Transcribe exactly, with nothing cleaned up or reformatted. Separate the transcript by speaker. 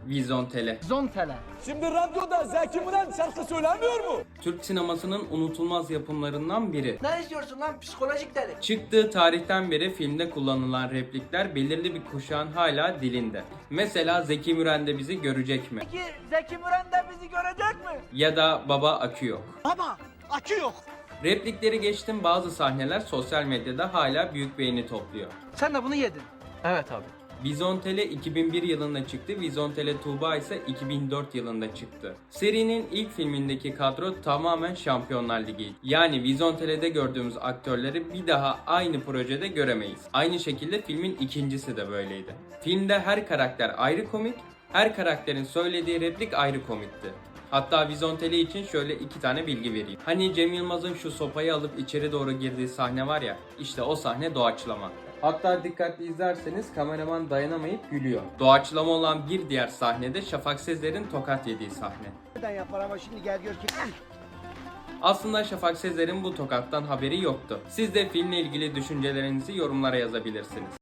Speaker 1: Vizontele.
Speaker 2: Zontele.
Speaker 3: Şimdi radyoda Zeki Müren şarkı söylemiyor mu?
Speaker 1: Türk sinemasının unutulmaz yapımlarından biri.
Speaker 2: Ne istiyorsun lan psikolojik deli?
Speaker 1: Çıktığı tarihten beri filmde kullanılan replikler belirli bir kuşağın hala dilinde. Mesela Zeki Müren de bizi görecek mi?
Speaker 2: Peki Zeki Müren de bizi görecek mi?
Speaker 1: Ya da Baba akü yok.
Speaker 2: Baba akü yok.
Speaker 1: Replikleri geçtim, bazı sahneler sosyal medyada hala büyük beğeni topluyor.
Speaker 2: Sen de bunu yedin.
Speaker 4: Evet abi.
Speaker 1: Vizontele iki bin bir yılında çıktı, Vizontele Tuğba ise iki bin dört yılında çıktı. Serinin ilk filmindeki kadro tamamen Şampiyonlar Ligi. Yani Vizontele'de gördüğümüz aktörleri bir daha aynı projede göremeyiz. Aynı şekilde filmin ikincisi de böyleydi. Filmde her karakter ayrı komik, her karakterin söylediği replik ayrı komikti. Hatta Vizontele için şöyle iki tane bilgi vereyim. Hani Cem Yılmaz'ın şu sopayı alıp içeri doğru girdiği sahne var ya, işte o sahne doğaçlama. Hatta dikkatli izlerseniz kameraman dayanamayıp gülüyor. Doğaçlama olan bir diğer sahnede Şafak Sezer'in tokat yediği sahne.
Speaker 2: Neden yapar ama şimdi gel gör ki.
Speaker 1: Aslında Şafak Sezer'in bu tokattan haberi yoktu. Siz de filmle ilgili düşüncelerinizi yorumlara yazabilirsiniz.